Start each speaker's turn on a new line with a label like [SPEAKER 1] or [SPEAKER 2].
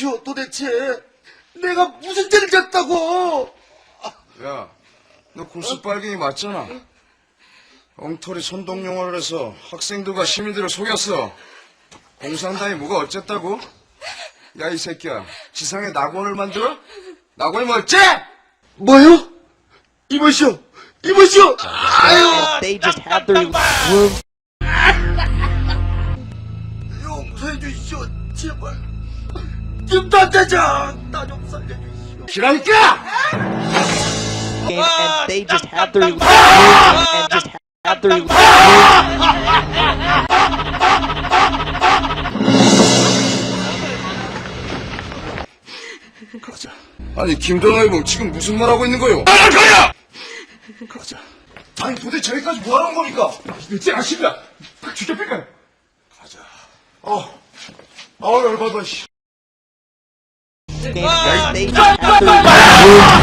[SPEAKER 1] 무엇이오 도대체? 내가 무슨 죄를 졌다고?
[SPEAKER 2] 야, 너 굴수 빨갱이 맞잖아. 엉터리 선동용어를 해서 학생들과 시민들을 속였어. 공산당이 뭐가 어쨌다고? 야, 이 새끼야, 지상에 낙원을 만들어? 낙원이 뭐 어째?
[SPEAKER 1] 뭐요? 이보시오, 이보시오.
[SPEAKER 3] They just had their room.
[SPEAKER 1] 용서해 주시오, 제발. 김단대장, 나 좀 살려주시오.
[SPEAKER 2] 기라니까!
[SPEAKER 3] And they just had their room and just had their room.
[SPEAKER 2] 가자. 아니, 김전화이봉 지금 무슨 말 하고 있는 거요? 가야! 가자. 아니, 도대체 저기까지 뭐 하는 겁니까? 늦지 않습니다. 죽여뺄까요? 가자. 열받아, 씨.
[SPEAKER 3] And they just had their room.